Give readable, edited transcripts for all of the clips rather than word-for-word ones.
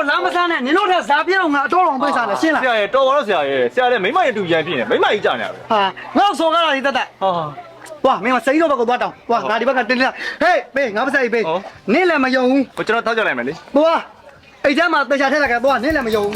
စားမစားနဲ့နင်တို့ထက်ဇာပြည့်တော့ငါအတော်တော်ပေးစားတယ်ရှင်းလားဆရာရဲ့တော်ပါတော့ဆရာရဲ့ဆရာလည်းမိမရဲ့တူရန်ဖြစ်နေမိမကြီးကြာနေရပဲဟာငါ့ဆော်ကားတာဒီတက်တက်ဟာဝါမင်းကစိတ်တော့ဘက်ကိုသွားတောင်းဝါငါဒီဘက်ကတင်းလာဟေးပေးငါမဆိုင်ပေးနင်းလည်းမယုံဘူးကိုကျွန်တော်ထောက်ကြလိုက်မယ်လေသွားအိတ်ထဲမှာတေချာထက်လိုက်ကသွားနင်းလည်းမယုံဘူး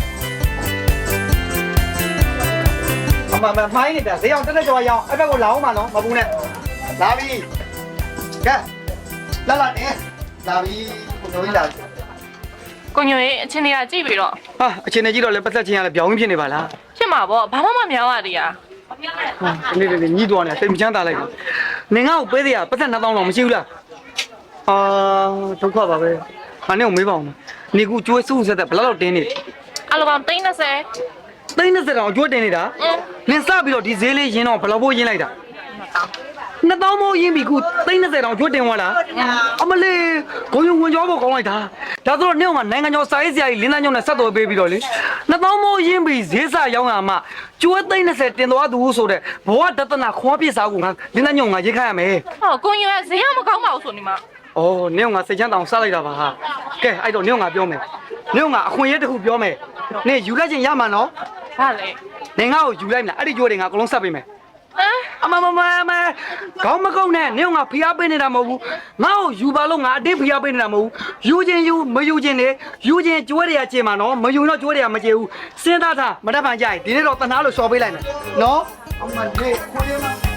အမမိုင်းနေတာဈေးအောင်တက်တက်ကြော်ရအောင်အဲ့ဘက်ကိုလာအောင်မနော်မပူနဲ့လာပြီကဲလာလာနေလာပြီကိုတို့လာကိုညိုရဲ့အချင်းတွေကကြည့်ပြီးတော့ဟာအချင်းနဲ့ကြည့်တော့လည်းပတ်သက်ချင်းရလဲပြောင်းဖြစ်နေပါလားဖြစ်မှာပေါ့ဘာမှမများပါသေးရဟာနေညှိသွားနေတာစိတ်မချမ်းသာလိုက်ဘူးနင်ငါ့ကိုပေးသေးရပတ်သက်2000လောက်မရှိဘူးလားအာဒုက္ခပါပဲငါနဲ့ကိုမေးပါအောင်နေကူကျွေးစုဆက်တဲ့ဘယ်လောက်တင်းနေအလိုကောင်30 သိန်း20တောင်ကျွေးတင်နေတာနင်စပြီးတော့ဒီဈေးလေးရင်းတော့ဘယ်လောက်ဖို့ရင်းလိုက်တာ2000မိုးရင်းပြီခုသိန်း20တောင်ကျွေးတင်သွားလားအမလေးဂုံယုံဝင်ကြောဖို့ကောင်းလိုက်တာဒါဆိုတော့နင့်ကနိုင်ငံကျော်စာရေးဆရာကြီးလင်းသားညုံနဲ့ဆက်သွယ်ပေးပြီးတော့လေ2000မိုးရင်းပြီဈေးစရောင်းရမှာကျွေးသိန်း20တင်သွားသူဆိုတဲ့ဘဝဒသနာခွန်ပြစ်စားကိုငါလင်းသားညုံငါရေးခိုင်းရမယ်ဟောကိုညိုရဲ့ဈေးကမကောင်းပါဘူးဆိုနေမှာ။အော်နင့်ကစိတ်ချမ်းတောင်စလိုက်တာပါဟာ။ကဲအဲ့တော့နင့်ကပြောမယ်။နင့်ကအခွင့်အရေးတစ်ခုပြောမယ်။နင့်ယူလိုက်ခြင်းရမှာနော်ဘာလဲ။နင်ငါ့ကိုယူလိုက်မလား။အဲ့ဒီကြိုးတွေငါအကုန်လုံးဆက်ပေးမယ်ဟမ်။အမခေါင်းမကုန်းနဲ့နင့်ကဖိအားပေးနေတာမဟုတ်ဘူး။ငါ့ကိုယူပါလို့ငါအတင်းဖိအားပေးနေတာမဟုတ်ဘူး။ယူခြင်းယူမယူခြင်းနဲ့ယူခြင်းကြွေးတွေကကျင်မှာနော်။မယူတော့ကြွေးတွေကမကျင်ဘူး။စဉ်းစားထားမတတ်ပံကြိုက်ဒီနေ့တော့တနာလို့လျှော်ပေးလိုက်မယ်။နော်။အမလေးခွေးမ